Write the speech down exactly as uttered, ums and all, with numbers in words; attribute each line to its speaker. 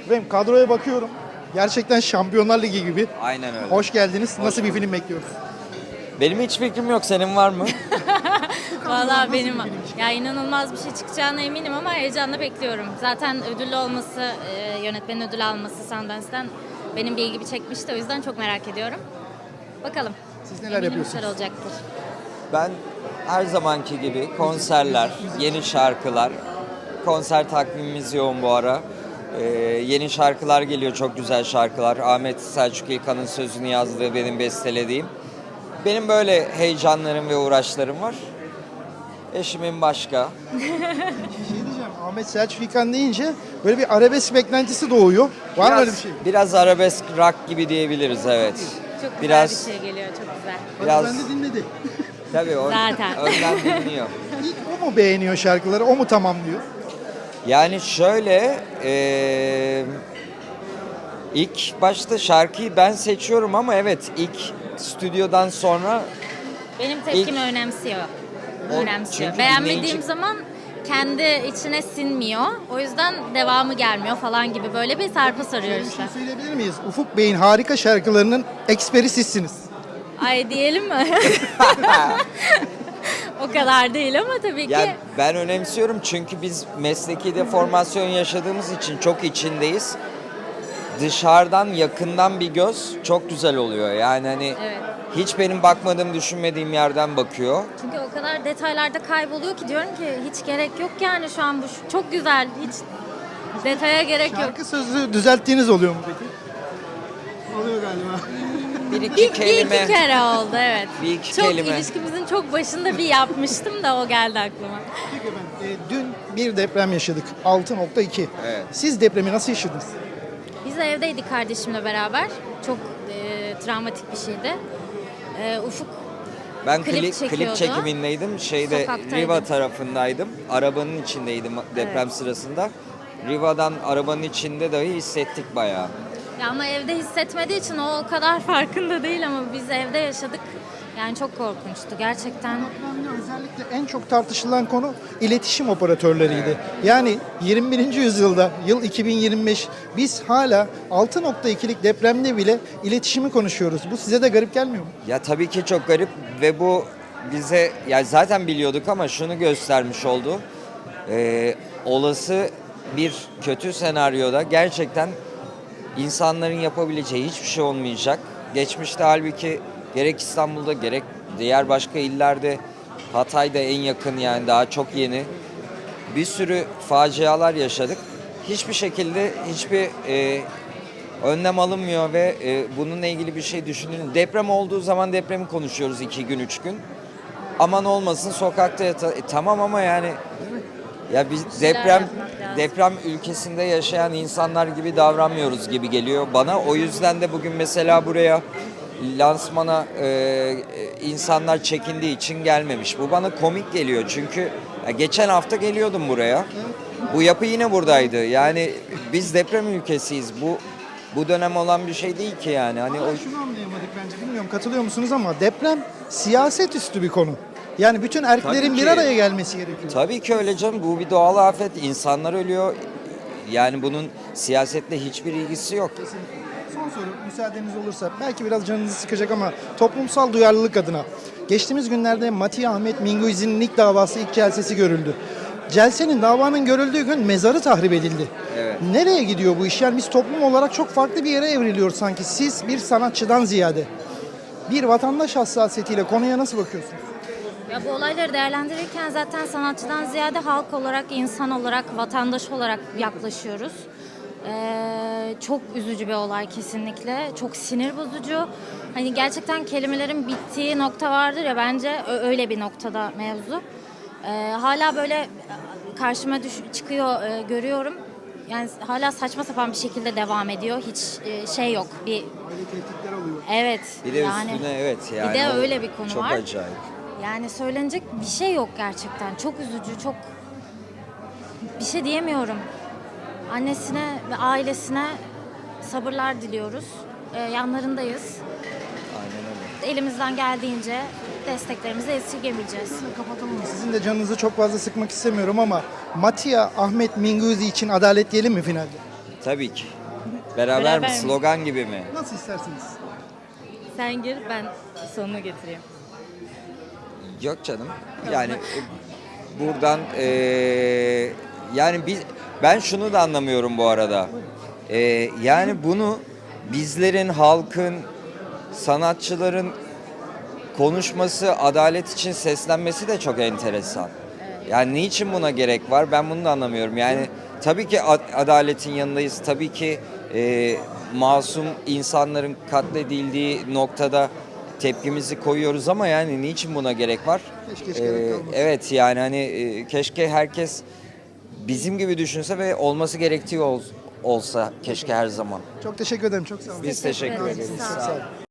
Speaker 1: Efendim kadroya bakıyorum. Gerçekten Şampiyonlar Ligi gibi.
Speaker 2: Aynen öyle.
Speaker 1: Hoş geldiniz.
Speaker 2: Hoş
Speaker 1: Nasıl bir
Speaker 2: bulduk.
Speaker 1: film bekliyoruz?
Speaker 2: Benim hiç fikrim yok. Senin var mı?
Speaker 3: Valla benim ya inanılmaz bir şey çıkacağına eminim ama heyecanla bekliyorum. Zaten ödüllü olması, e, yönetmenin ödül alması Sundance'den benim bir ilgimi çekmişti. O yüzden çok merak ediyorum. Bakalım.
Speaker 1: Siz neler
Speaker 3: Eminim
Speaker 1: yapıyorsunuz?
Speaker 3: güzel olacaktır.
Speaker 2: Ben her zamanki gibi konserler, yeni şarkılar. Konser takvimimiz yoğun bu ara. Ee, yeni şarkılar geliyor. Çok güzel şarkılar. Ahmet Selçuk İlkan'ın sözünü yazdığı, benim bestelediğim. Benim böyle heyecanlarım ve uğraşlarım var. Eşimin başka.
Speaker 1: Bir şey diyeceğim. Ahmet Selçuk İlkan deyince böyle bir arabesk beklentisi doğuyor. Var mı öyle bir şey?
Speaker 2: Biraz arabesk rock gibi diyebiliriz, evet.
Speaker 3: Çok güzel
Speaker 2: Biraz
Speaker 3: bir şey geliyor, çok güzel.
Speaker 2: biraz
Speaker 1: Ben de dinledi.
Speaker 2: tabii o
Speaker 3: Zaten.
Speaker 2: önden dinliyor.
Speaker 1: İlk o mu beğeniyor şarkıları, o mu tamamlıyor?
Speaker 2: Yani şöyle eee, ilk başta şarkıyı ben seçiyorum ama evet ilk stüdyodan sonra
Speaker 3: Benim tepkimi önemsiyor.
Speaker 2: O-
Speaker 3: Önemsiyor.
Speaker 2: çünkü
Speaker 3: Beğenmediğim
Speaker 2: dinleyici-
Speaker 3: zaman kendi içine sinmiyor. O yüzden devamı gelmiyor falan gibi böyle bir sarpa sarıyor
Speaker 1: Şöyle bir
Speaker 3: işte.
Speaker 1: şey söyleyebilir miyiz? Ufuk Bey'in harika şarkılarının eksperi sizsiniz.
Speaker 3: Ay diyelim mi? O kadar değil ama tabii ki.
Speaker 2: yani ben önemsiyorum çünkü biz mesleki deformasyon yaşadığımız için çok içindeyiz. Dışarıdan yakından bir göz çok güzel oluyor. Yani hani
Speaker 3: Evet.
Speaker 2: hiç benim bakmadığım, düşünmediğim yerden bakıyor.
Speaker 3: Çünkü o kadar detaylarda kayboluyor ki diyorum ki hiç gerek yok yani şu an bu çok güzel. Hiç detaya gerek yok.
Speaker 1: Şarkı sözü düzelttiğiniz oluyor mu peki? Oluyor galiba.
Speaker 2: Bir iki
Speaker 3: Bir, bir
Speaker 2: kelime.
Speaker 3: iki kere oldu evet.
Speaker 2: Bir iki
Speaker 3: çok
Speaker 2: kelime.
Speaker 3: ilişkimizin çok başında bir yapmıştım da o geldi aklıma.
Speaker 1: Peki efendim, e, dün bir deprem yaşadık. altı nokta iki.
Speaker 2: Evet.
Speaker 1: Siz depremi nasıl yaşadınız?
Speaker 3: Biz de evdeydik kardeşimle beraber. Çok e, travmatik bir şeydi. E, Ufuk
Speaker 2: Ben
Speaker 3: Klip
Speaker 2: klip, klip,
Speaker 3: çekiyordu.
Speaker 2: çekimindeydim. Şeyde
Speaker 3: Sokaktaydım.
Speaker 2: Riva tarafındaydım. Arabanın içindeydim deprem
Speaker 3: Evet.
Speaker 2: sırasında. Riva'dan arabanın içinde dahi hissettik bayağı.
Speaker 3: ya ama evde hissetmediği için o o kadar farkında değil ama biz evde yaşadık. Yani çok korkunçtu gerçekten.
Speaker 1: Depremde özellikle en çok tartışılan konu iletişim operatörleriydi. Yani yirmi birinci yüzyılda, yıl iki bin yirmi beş, biz hala altı nokta ikilik depremde bile iletişimi konuşuyoruz. Bu size de garip gelmiyor mu?
Speaker 2: Ya tabii ki çok garip ve bu bize ya zaten biliyorduk ama şunu göstermiş oldu. Ee, olası bir kötü senaryoda gerçekten insanların yapabileceği hiçbir şey olmayacak. Geçmişte halbuki gerek İstanbul'da gerek diğer başka illerde, Hatay'da en yakın, yani daha çok yeni bir sürü facialar yaşadık. Hiçbir şekilde hiçbir e, önlem alınmıyor ve e, bununla ilgili bir şey düşünün. Deprem olduğu zaman depremi konuşuyoruz iki gün, üç gün. Aman olmasın sokakta yata... E, tamam ama yani ya biz
Speaker 3: şeyler
Speaker 2: deprem
Speaker 3: yapmak lazım.
Speaker 2: deprem ülkesinde yaşayan insanlar gibi davranmıyoruz gibi geliyor bana. O yüzden de bugün mesela buraya lansmana e, insanlar çekindiği için gelmemiş. Bu bana komik geliyor çünkü ya geçen hafta geliyordum buraya. Bu yapı yine buradaydı. Yani biz deprem ülkesiyiz. Bu bu dönem olan bir şey değil ki yani. Hani o
Speaker 1: Ama şunu anlayamadık bence, bilmiyorum katılıyor musunuz ama deprem siyaset üstü bir konu. Yani bütün erklerin
Speaker 2: Tabii
Speaker 1: bir
Speaker 2: ki.
Speaker 1: araya gelmesi gerekiyor.
Speaker 2: tabii ki öyle canım. Bu bir doğal afet. İnsanlar ölüyor. Yani bunun siyasetle hiçbir ilgisi yok.
Speaker 1: Kesinlikle. Son soru müsaadeniz olursa, belki biraz canınızı sıkacak ama toplumsal duyarlılık adına. Geçtiğimiz günlerde Mati Ahmet Minguizi'nin ilk davası ilk celsesi görüldü. Celsenin, davanın görüldüğü gün mezarı tahrip edildi.
Speaker 2: Evet.
Speaker 1: Nereye gidiyor bu iş? Yani biz toplum olarak çok farklı bir yere evriliyor sanki. Siz bir sanatçıdan ziyade bir vatandaş hassasiyetiyle konuya nasıl bakıyorsunuz?
Speaker 3: Ya bu olayları değerlendirirken zaten sanatçıdan ziyade halk olarak, insan olarak, vatandaş olarak yaklaşıyoruz. Ee, çok üzücü bir olay kesinlikle. Çok sinir bozucu. Hani gerçekten kelimelerin bittiği nokta vardır ya, bence ö- öyle bir noktada mevzu. Ee, hala böyle karşıma düş- çıkıyor, e, görüyorum. Yani hala saçma sapan bir şekilde devam ediyor. Hiç e, şey yok. Bir
Speaker 1: Böyle tehditler oluyor.
Speaker 3: evet.
Speaker 2: Bir de
Speaker 3: yani
Speaker 2: üstüne evet yani.
Speaker 3: bir de
Speaker 2: o
Speaker 3: öyle bir konu
Speaker 2: çok
Speaker 3: var.
Speaker 2: acayip.
Speaker 3: Yani söylenecek bir şey yok gerçekten. Çok üzücü, çok bir şey diyemiyorum. Annesine ve ailesine sabırlar diliyoruz. Ee, yanlarındayız.
Speaker 2: Aynen öyle.
Speaker 3: Elimizden geldiğince desteklerimizi esirgemeyeceğiz.
Speaker 1: Kapatalım. Sizin de canınızı çok fazla sıkmak istemiyorum ama Matia Ahmet Minguzi için adalet diyelim mi finalde?
Speaker 2: Tabii ki. Beraber,
Speaker 3: Beraber
Speaker 2: mi?
Speaker 3: mi?
Speaker 2: Slogan gibi mi?
Speaker 1: Nasıl isterseniz.
Speaker 3: Sen gir, ben sonunu getireyim.
Speaker 2: Yok canım. Yani e, buradan e, yani biz ben şunu da anlamıyorum bu arada. E, yani bunu bizlerin, halkın, sanatçıların konuşması, adalet için seslenmesi de çok enteresan. Yani niçin buna gerek var? Ben bunu da anlamıyorum. Yani tabii ki ad- adaletin yanındayız. Tabii ki e, masum insanların katledildiği noktada tepkimizi koyuyoruz ama yani niçin buna gerek var?
Speaker 1: Keşke hiç gerek
Speaker 2: E,
Speaker 1: kalmasa.
Speaker 2: evet yani hani e, keşke herkes bizim gibi düşünse ve olması gerektiği ol- olsa keşke her zaman.
Speaker 1: Çok teşekkür ederim. Çok sağ olun.
Speaker 2: Biz teşekkür
Speaker 3: ederiz.
Speaker 2: ederiz.
Speaker 3: Sağ
Speaker 2: Sağ
Speaker 3: olun.
Speaker 2: olun.